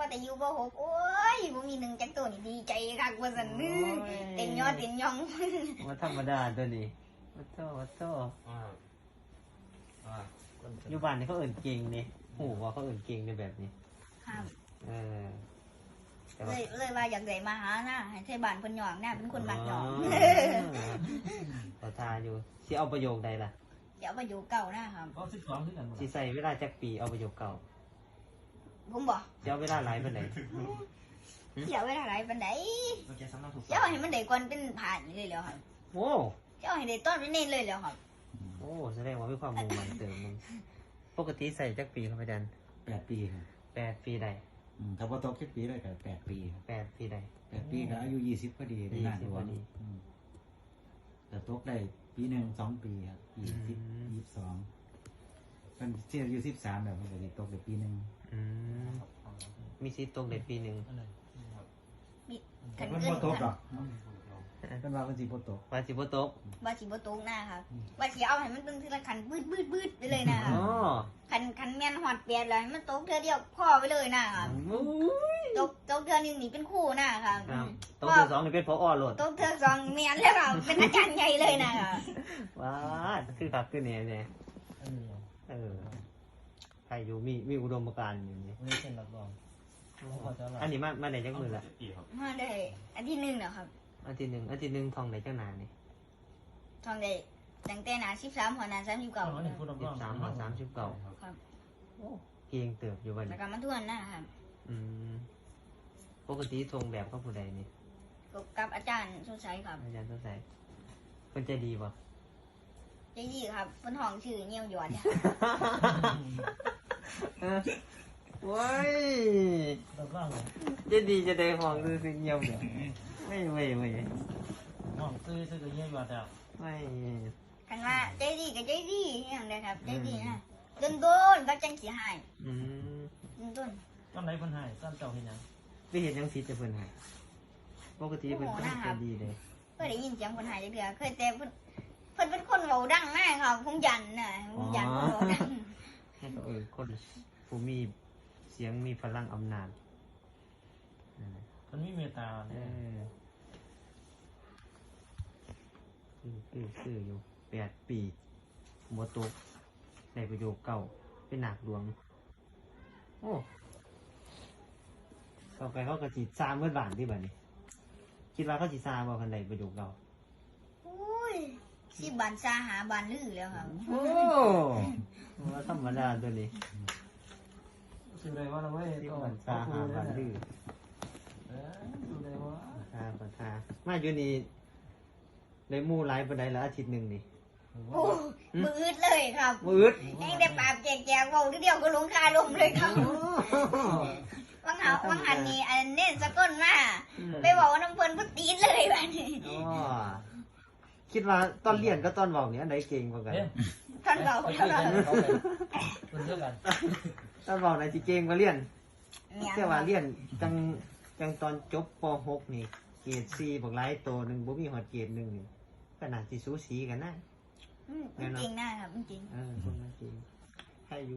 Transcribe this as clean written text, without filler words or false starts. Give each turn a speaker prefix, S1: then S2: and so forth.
S1: ว่าแต่อยู่บ่หกโอ้ยบ่มีหนึ่งจักตัวนี่ดีใจคักว่าซั่นเต็มยอดเต็มยอง
S2: ว่าธรรมดาตัวนี้วัดโตวัดโตอยู่บ้านนี่เขาเอิ่นเก่งนี่หูว่าเขาเอิ่นเก่งในแบบนี้
S1: ครับ
S2: แต่
S1: เลยว่าอยากได้มาหานะให้ไทบ้านเพิ่นยองนะเป็นคนบ้านยอง
S2: ต่อทาอยู่สิเอาประโยคใดล่ะ
S1: สิเอาประโยคเก่านะครับ
S3: ก็12คือกัน
S2: สิใส่เวลาจักปีเอาประโยคเก่า
S1: ผมบ่
S2: สิเอาเวลาหลายปานใด
S1: เสียเวลาหลายปานใดเสียให้มันได้ก่อนเป็นผ่านเลยแล้วครับ
S2: โอ้
S1: เสียให้ได้ต้นเป็นเน้นเลยแล้วครับ
S2: โอ้แสดงว่ามีความมุ่งมั่นเติมมึงปกติใส่จักปีครับอาจารย์
S3: 8 ปีครับ
S2: 8 ปีใด
S3: ถ้าบ่ตก10 ปีเลยก็8 ปี
S2: 8 ปีใด
S3: 8 ปีก็อายุ20พอดีได้งานหลวงแต่ตกได้ปีหนึ่ง2 ปีครับ22มันเสียอายุ13แบบมันก็สิตกได้ปีนึง
S2: มีสิทธิ์ตกได้ปีนึง
S1: คัน
S3: มัน
S1: เกิ
S3: บ่
S1: น
S3: ตกดอกมันว่ามันสิบ่ตก
S2: ว่าสิบ่ตก
S1: ว่าสิบ่ตกหน้าครับว่าสิเอาให้มันตึงทีละคันบืดไปเลยนะครับคันแม่นฮอด8แล้วมันตกเทื่อเดียวพอไปเลยนะครับตกเทื่อนึงนี่เป็นคู่นะครับ
S2: ตกเทื่อ2นี่เป็นผอโลด
S1: ตกเทื่อ2แม่นแล้วครับเป็นอาจารย์ใหญ่เลยนะครับ
S2: ว้าคือคักคือแน่แน่ใครอยู่มีอุดมการณ์อยู่นี่
S3: นี่เป็นรับรอง
S2: อันนี้มาได้จักมื้อละ
S1: มาได้อาทิตย์นึงแล้วครับ
S2: อาทิตย์นึงท่องได้จักนานนี่
S1: ท่องได้ตั้งแต่หน้า13หัวหน้า39
S2: 13หัว39
S1: ครับ
S2: โอ้เก่งเติบอยู่บัดนี้
S1: แล้วก็มาทวนนะครับ
S2: ปกติทงแบบกับผู้ใดนี่
S1: กับอาจารย์สดใสครับ
S2: อาจารย์สดใสเพิ่นใจดีบ่
S1: ใจดีครับเพิ่นห้องชื่อเหี่ยวหยอดเนี่ย
S2: โว้ยจะดีจะได้ห้องซื้อเงียบเดี๋ยวไม่
S3: ห้องซื้อก็เงียบอยู่แล้ว
S2: ไม่
S1: คันว่าใจดีก็ใจดีอย่างเดียวครับใจดีนะโดนก็จังสิให้ต้น
S3: ตอนไหนเพิ่นให้ตอนเจ้าเฮ็ดหยัง
S2: ไปเฮ็ดหยังผิดจะเพิ่นให้ปกติเพิ่นใจดีเลย
S1: เคยได้ยินเสียงคนหายจักเทื่อเคยแต่เพิ่นเป็นคนเว้าดังมากครับผมยันน่ะผมยันเว้าดัง
S2: คนผู้มีเสียงมีพลังอำนาจ
S3: มันมีเมตตา
S2: คืออยู่8 ปีบ่ตกได้ประโยคเก่าเป็นหนักหลวงโอ้ต่อไปเขาก็สิซาเมื่อบานที่บัดนี้คิดว่าเขาสิซาบ่คันใดประโยคเก่า
S1: อุ้ยสิบานซาหาบานลือแล้วครับ
S2: โอ้ว่าธรรมดาตัวนี้
S3: สิได้ว่าแล้วเว้ย
S2: สิบานซาหาบานลือ
S3: สิได้ว่า
S2: ปัญหามาอยู่นี่ได้หมู่หลายปานใดละอาทิตย์นึงนี่
S1: โอ้มืออึดเลยครับ
S2: มืออึด
S1: แห้งได้ปากแจกๆเว้าเดียวก็ลงคาลมเลยครับวังหันนี่อันเน้นสะก้นมาไปบอกว่าน้ำเพิ่นบ่ตีนเลยบัดนี้
S2: คิดว่าตอนเรียนกับตอนเว้านี่อันไหนเก่งกว่ากัน
S1: ตอนเว้า
S3: เท่ากัน
S2: ตอนเว้าไหนสิเก่งกว่าเรียนแต่ว่าเรียนจังตอนจบป .6 นี่เกรด4บักหลายโตนึงบ่มีฮอดเกรด1นี่ก็น่าสิสูสีกันนะ
S1: จริงนะครับจริง
S2: คนจริงให้อยู่